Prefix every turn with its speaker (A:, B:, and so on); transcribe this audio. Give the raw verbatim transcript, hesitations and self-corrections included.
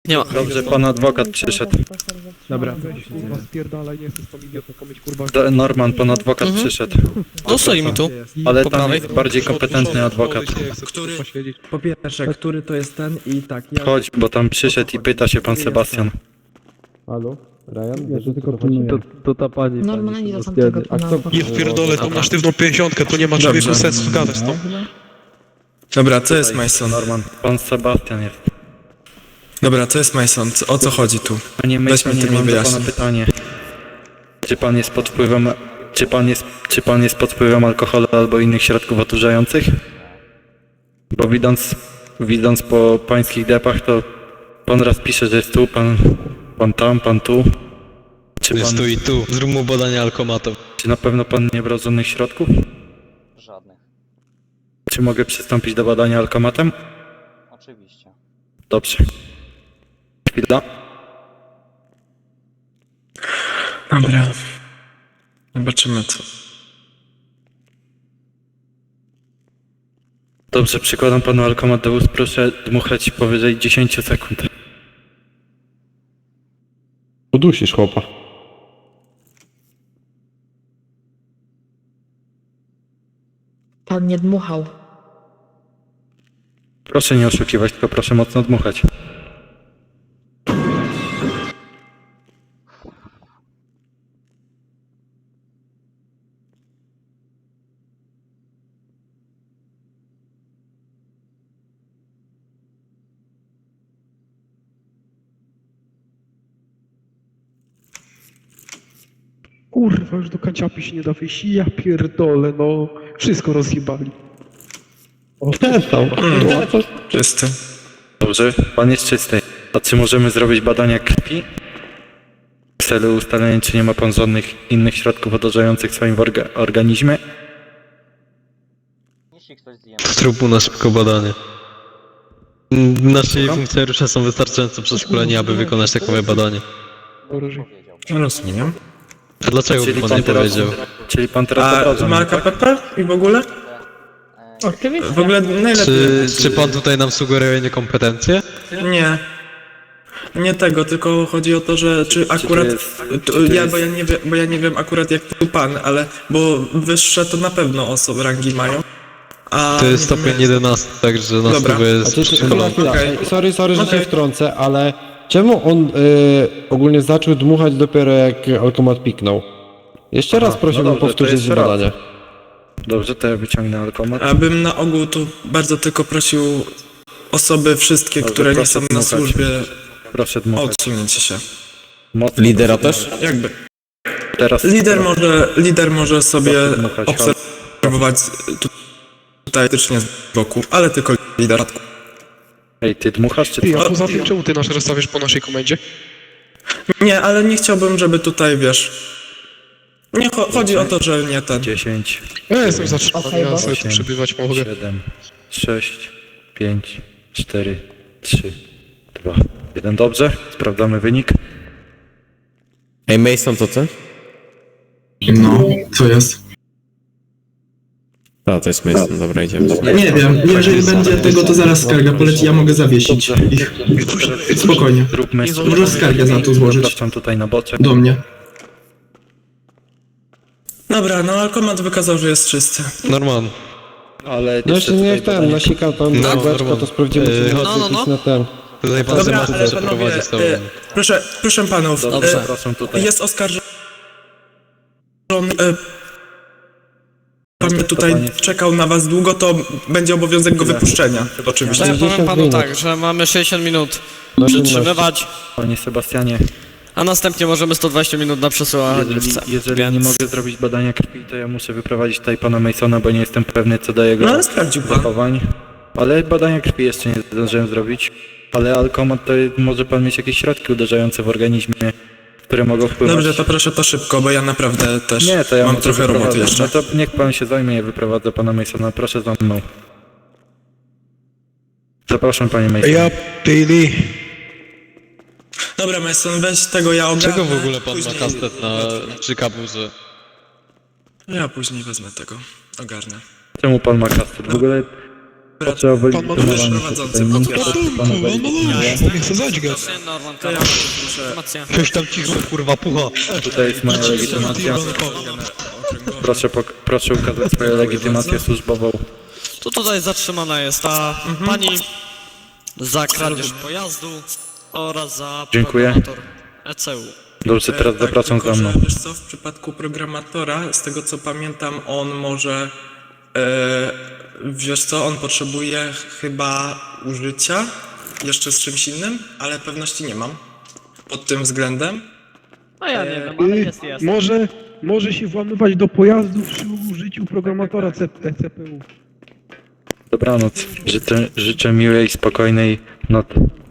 A: Nie ma.
B: Dobrze, pan adwokat przyszedł.
C: Dobra, weź kurwa spierdalaj, nie chcę z tą idiotką mieć kurwa...
B: D- Norman, pan adwokat
A: Mhm.
B: przyszedł.
A: No stoi mi tu.
B: Ale
A: Po
B: tam
A: prawej?
B: jest bardziej kompetentny adwokat.
C: Który? Posiedzieć.
D: Po pierwsze, który to jest ten i tak, ja...
B: Chodź, bo tam przyszedł i pyta się pan Sebastian.
D: Halo? Ryan?
E: Ja to tylko pilnuję.
D: To, to ta pani...
F: Normalnie
D: pani
F: do tamtego
D: A kto...
F: pana.
C: Ja pierdolę, to na sztywną pięćdziesiątkę, to nie ma człowieku
D: Dobrze.
C: sensu gadać z tą.
G: Dobra, co jest
B: Tutaj,
G: Mason?
B: Norman, pan Sebastian jest.
G: Dobra, co jest Mason? Co- O co chodzi tu?
B: Panie
G: Weź mi
B: Masonie,
G: to mi
B: mam do pana
G: wyjaśnij.
B: pytanie. Czy pan jest pod wpływem... Czy pan jest, czy pan jest pod wpływem alkoholu albo innych środków odurzających? Bo widząc, widząc po pańskich depach, to pan raz pisze, że jest tu, pan, pan tam, pan tu. Czy,
H: Jest
B: pan,
H: tu i tu. Zrób mu badanie alkomatą.
B: czy na pewno pan nie brał żadnych środków?
I: Żadnych.
B: Czy mogę przystąpić do badania alkomatem?
I: Oczywiście.
B: Dobrze. Chwila.
G: Dobra. Zobaczymy co.
B: Dobrze, przykładam panu alkomat do ust, proszę dmuchać powyżej dziesięć sekund.
E: Udusisz chłopa.
F: Pan nie dmuchał.
B: Proszę nie oszukiwać, tylko proszę mocno dmuchać.
C: Kurwa, już do kanciapy się nie da wyjść, ja pierdolę, no. Wszystko rozjebali.
E: Przestał.
G: Czysty.
B: Dobrze, pan jest czysty. A czy możemy zrobić badania krwi? W celu ustalenia, czy nie ma pan żadnych innych środków odurzających w swoim orga organizmie?
I: Jeśli ktoś zje
H: Zrób mu na szybko badanie. Nasi funkcjonariusze są wystarczająco przeszkoleni, aby wykonać takowe badanie.
C: Wróży.
I: powiedział.
G: Rozumiem.
H: A dlaczego by pan nie powiedział?
B: Czyli pan teraz
G: A
B: obraża mnie,
G: marka
B: tak?
G: P P i w ogóle?
F: Oczywiście.
G: W ogóle najlepiej...
H: Czy, czy pan tutaj nam sugeruje niekompetencje?
G: Nie. Nie tego, tylko chodzi o to, że czy
B: to
G: akurat...
B: jest- czy
G: to
B: to
G: ja,
B: jest-
G: bo, ja nie wiem, bo ja nie wiem akurat jak tu pan, ale... Bo wyższe to na pewno osoby rangi mają. A
H: To jest
G: nie wiem,
H: stopień jedenasty, także na
G: Dobra.
H: stówę
E: A
H: jest
E: czy, chwila,
H: przeszkolony.
E: chwila.
G: Okej.
E: Sorry, sorry, że
G: Okej.
E: się wtrącę, ale czemu on y, ogólnie zaczął dmuchać dopiero jak alkomat piknął? Jeszcze raz
B: Aha,
E: prosiłbym
B: no dobrze, to
E: powtórzyć
B: jeszcze raz.
E: badanie.
B: Dobrze, to ja wyciągnę alkomat.
G: Abym na ogół tu bardzo tylko prosił osoby wszystkie,
B: Dobrze,
G: które nie
B: proszę
G: są na
B: dmuchać.
G: służbie,
B: Proszę
G: o
B: dmuchać.
G: odsunięcie się.
B: Mocno.
D: Lidera też?
G: Jakby.
B: Teraz
G: Lider może, lider może sobie
B: Proszę dmuchać.
G: obserwować tu- tutaj faktycznie z boku, ale tylko lider.
B: Ej, ty dmuchasz czy
C: Ty, a
B: co?
C: poza tym czemu ty nasz rozstawiasz po naszej komendzie?
G: Nie, ale nie chciałbym, żeby tutaj, wiesz... Nie, cho chodzi o to, że nie ten...
B: dziesięć,
C: Ja jestem zatrzymany, ja sobie tu
B: osiem,
C: przebywać mogę.
B: siedem, sześć, pięć, cztery, trzy, dwa, jeden. Dobrze, sprawdzamy wynik.
D: Ej, Mason to co?
G: No, co jest?
D: A, to jest Mason, dobra, idziemy.
G: Nie wiem, jeżeli będzie tego, to zaraz skarga poleci, ja mogę zawiesić ich. Spokojnie.
B: Zróbmy
G: Może skargę za to złożyć.
B: Zapraszam tutaj na boczek.
G: Do mnie. Dobra, no alkomat wykazał, że jest czysty.
H: Norman.
B: Ale
E: No jeszcze
B: tutaj
E: niech ten,
B: badanie-
E: nasika tam
H: No,
E: na beczko,
H: normalnie.
E: to sprawdzimy, czy
H: Yy,
E: jest
A: no, no, no.
E: na ten.
H: Tutaj pan
G: Dobra,
H: Sebastian
G: ale panowie,
H: przeprowadzi z tobą.
G: e, proszę, proszę panów,
B: Dobrze,
G: e,
B: zapraszam tutaj.
G: jest oskarżony, e, pan tutaj
B: Panie-
G: czekał na was długo, to będzie obowiązek go wypuszczenia, oczywiście.
A: To ja powiem
E: sześćdziesiąt
A: panu
E: minut.
A: tak, że mamy sześćdziesiąt minut
E: Na
A: przytrzymywać,
B: Panie Sebastianie,
A: a następnie możemy sto dwadzieścia minut na przesłuchanie.
B: jeżeli, jeżeli nie
A: Więc-
B: mogę zrobić badania krwi, to ja muszę wyprowadzić tutaj pana Masona, bo nie jestem pewny co do jego
G: No ale sprawdził pan.
B: zachowań. Ale badania krwi jeszcze nie zdążyłem zrobić. Ale alkomat to może pan mieć jakieś środki uderzające w organizmie, które mogą wpływać...
G: Dobrze, to proszę to szybko, bo ja naprawdę też
B: Nie, to ja
G: mam
B: może
G: trochę roboty
B: wyprowadzę.
G: jeszcze.
B: No to niech pan się zajmie, ja wyprowadzę pana Masona. Proszę za mną. Zapraszam panie Mason.
C: Ja, Billy.
G: Dobra, Mason, weź tego, ja ogarnę.
H: Czego w ogóle pan ma
G: później-
H: kastet na przy kaburze?
G: Ja później wezmę tego, ogarnę.
B: Czemu pan ma kastet? W ogóle Proszę o
C: Pan ma
B: wylegitymowanie się
G: prowadzący,
B: tutaj. Muszę
G: potwierdzam.
B: pana wylegitymować.
C: Bo nie chcę zadźgać.
A: Norman,
G: To ja muszę...
A: informacja.
H: Ktoś tam cicho, kurwa, pucha.
B: Tutaj jest moja legitymacja. Proszę, pok- proszę ukazać swoją legitymację służbową.
A: To tutaj zatrzymana jest ta pani za kradzież pojazdu oraz za
B: Dziękuję.
A: programator E C U.
B: Dobrze, teraz
G: E, tak,
B: zapraszam
G: tylko,
B: za mną.
G: że, wiesz co, w przypadku programatora, z tego co pamiętam, on może... E, wiesz co, on potrzebuje chyba użycia jeszcze z czymś innym, ale pewności nie mam pod tym względem.
A: No ja nie
G: E,
A: wiem, ale
C: Y,
A: jest, jest.
C: Może, może się włamywać do pojazdu przy użyciu programatora C P U.
B: Dobranoc. Życzę, życzę miłej, spokojnej nocy.